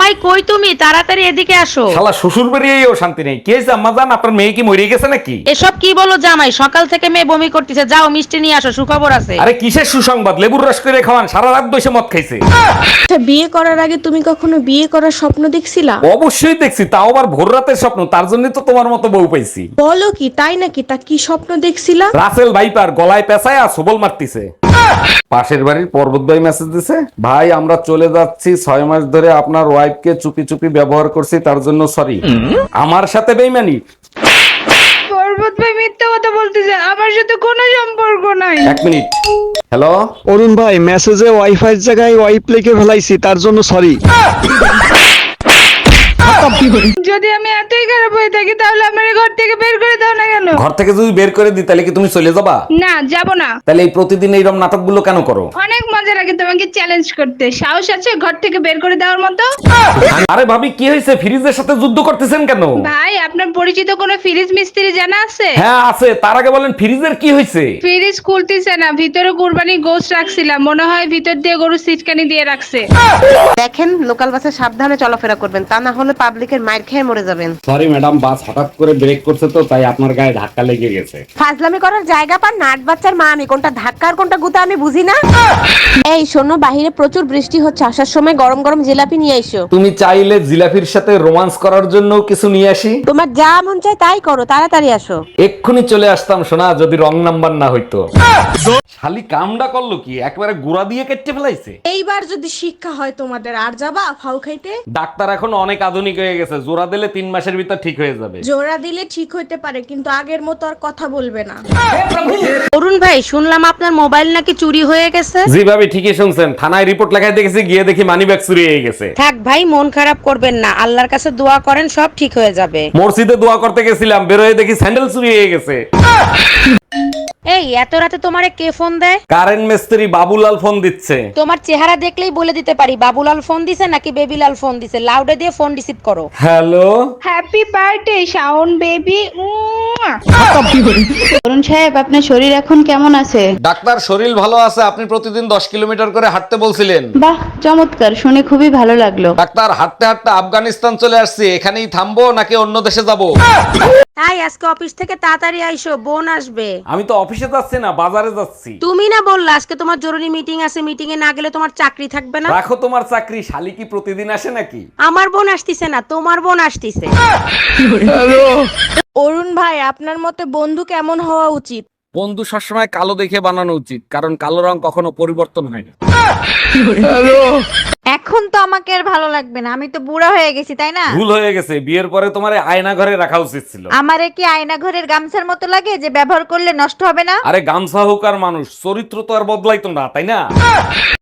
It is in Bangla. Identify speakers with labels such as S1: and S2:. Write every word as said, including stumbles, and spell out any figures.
S1: জামাই কই তুমি? তাড়াতাড়ি এদিকে আসো।
S2: শালা শ্বশুর বাড়িয়েও শান্তি নেই। কে আম্মা জান, আপনার মেয়ে কি মরে গেছে নাকি?
S1: এসব কি বলো জামাই? সকাল থেকে মেয়ে বমি করতেছে, যাও মিষ্টি নিয়ে আসো, সুখবর আছে।
S2: আরে কিসের সুসংবাদ? লেবুর রস করে খাওয়ান, সারা রাত বসে মদ খাইছে।
S3: আচ্ছা, বিয়ে করার আগে তুমি কখনো বিয়ে করার স্বপ্ন দেখছিলা?
S2: অবশ্যই দেখছি, তাও আবার ভোর রাতের স্বপ্ন। তার জন্য তো তোমার মতো বউ পাইছি।
S3: বলো কি, তাই নাকি? তা কি স্বপ্ন দেখছিলা?
S2: রাসেল ভাইপার গলায় পেঁচায় আর সবল মারতিছে। পাশের বাড়ির পর্বত ভাই মেসেজ দিছে, ভাই আমরা চলে যাচ্ছি, ছয় মাস ধরে আপনার ওয়াইফকে চুপি চুপি ব্যবহার করছি, তার জন্য সরি। আমার সাথে বেইমানি?
S4: পর্বত ভাই মিথ্যা কথা বলতেছে, আমার সাথে কোনো সম্পর্ক নাই।
S2: এক মিনিট। হ্যালো,
S5: অরুণ ভাই, মেসেজে ওয়াইফাই জায়গায় ওয়াইপ লিখে ফেলাইছি, তার জন্য সরি।
S4: যদি আমি এতই খারাপ হয়ে থাকি তাহলে আমার ঘর থেকে বের করে দাও না কেন?
S2: ঘর থেকে যদি বের করে দিই তাহলে কি তুমি চলে যাবা?
S4: না, যাব না।
S2: তাহলে এই প্রতিদিন এইরকম নাটকগুলো কেন করো?
S4: অনেক মজা লাগে তোমাকে চ্যালেঞ্জ করতে। সাহস আছে ঘর থেকে বের করে দেওয়ার মতো?
S2: আরে ভাবি কি হয়েছে? ফ্রিজের সাথে যুদ্ধ করতেছেন কেন?
S4: ভাই, আপনার পরিচিত কোনো ফ্রিজ মিস্ত্রি জানা আছে?
S2: হ্যাঁ আছে। তার আগে বলেন ফ্রিজের কি হয়েছে?
S4: ফ্রিজ খুলতেছে না, ভিতরে কুরবানি গোশত রাখছিলাম, মনে হয় ভিতর দিয়ে গরু সিটকানি দিয়ে রাখছে।
S6: দেখেন, লোকাল বাসে সাবধানে চলাফেরা করবেন, তা না হলে পাবলিকের মাইর খেয়ে মরে যাবেন।
S2: সরি ম্যাডাম, বাস হঠাৎ করে ব্রেক করছে তো তাই আপনার গায়ে ধাক্কা লেগে গেছে।
S6: ফাজলামি করার জায়গা পান নাট বাচ্চার মা আমি, কোনটা ধাক্কা আর কোনটা গুতা আমি বুঝি না।
S3: এই শোনো, বাহিরে প্রচুর বৃষ্টি হচ্ছে, আসার সময় গরম গরম জিলাপি নিয়ে এসো।
S2: তুমি চাইলে জিলাফির সাথে রোমান্স করার জন্য কিছু নিয়ে আসি?
S3: তোমার যা মন চায় তাই করো, তাড়াতাড়ি আসো।
S2: এক্ষুনি চলে আসতাম সোনা, যদি রং নাম্বার না হইতো। শালি কামডা করলো কি? একবারে গুড়া দিয়ে কেটে ফেলাইছে।
S3: এইবার যদি শিক্ষা হয় তোমাদের, আর যাবা ফাউ খাইতে?
S2: ডাক্তার এখন অনেক আধুনিক হয়ে গেছে, জোড়া দিলে তিন মাসের ভিতর ঠিক হয়ে যাবে।
S3: জোড়া দিলে ঠিক হইতে পারে, কিন্তু আগের মতো আর কথা বলবে না।
S1: অরুণ ভাই, শুনলাম আপনার মোবাইল নাকি চুরি হয়ে গেছে।
S2: জি ভাবি, ঠিকই শুনছেন। থানায় রিপোর্ট লেখায় দেখেছি, গিয়ে দেখি মানি ব্যাগ চুরি হয়ে গেছে।
S1: থাক ভাই, মন খারাপ করবেন না, আল্লাহর কাছে দোয়া করেন, সব ঠিক হয়ে যাবে।
S2: মসজিদে দোয়া করতে গেছিলাম, বেরোয় দেখি স্যান্ডেল চুরি হয়ে গেছে।
S1: এই এত রাতে তোমারে কে ফোন দেয়?
S2: কারেন্ট মিস্ত্রি বাবুলাল ফোন দিচ্ছে।
S1: তোমার চেহারা দেখলেই বলে দিতে পারি বাবুলাল ফোন দিছে নাকি বেবিলাল ফোন দিছে। লাউডে দিয়ে ফোন রিসিভ করো।
S2: Hello,
S4: happy birthday Shaon baby. Arun সাহেব, আপনার শরীর এখন কেমন আছে?
S2: ডাক্তার শরীর ভালো আছে। আপনি প্রতিদিন দশ কিলোমিটার করে হাঁটতে বলছিলেন।
S4: বাহ, চমৎকার, শুনে খুবই ভালো লাগলো।
S2: ডাক্তার হাঁটতে হাঁটতে আফগানিস্তান চলে আসছি, এখানেই থামবো নাকি অন্য দেশে যাব?
S1: তাই আজকে অফিস থেকে তাড়াতাড়ি আইসো, বোন আসবে।
S2: আমি তো অফিসে যাচ্ছি না, বাজারে যাচ্ছি।
S1: তুমি না বললা আজকে তোমার জরুরি মিটিং আছে, মিটিং এ না গেলে তোমার চাকরি থাকবে না।
S2: রাখো তোমার চাকরি, শালি কি প্রতিদিন আসে নাকি?
S1: আমার বোন আসতিছে না, তোমার বোন আসতিছে।
S3: অরুণ ভাই, আপনার মতে বন্ধু কেমন হওয়া উচিত?
S2: বন্ধু সবসময় কালো দেখে বানানো উচিত, কারণ কালো রং কখনো পরিবর্তন হয় না।
S7: এখন তো আমাকে আর ভালো লাগবে না, আমি তো বুড়া হয়ে গেছি, তাই না?
S2: ভুল হয়ে গেছে, বিয়ের পরে তোমার আয়না ঘরে রাখা উচিত ছিল।
S7: আমারে কি আয়না ঘরের গামছার মতো লাগে যে ব্যবহার করলে নষ্ট হবে না?
S2: আরে গামছা হোক আর মানুষ, চরিত্র তো আর বদলাইতো না, তাই না?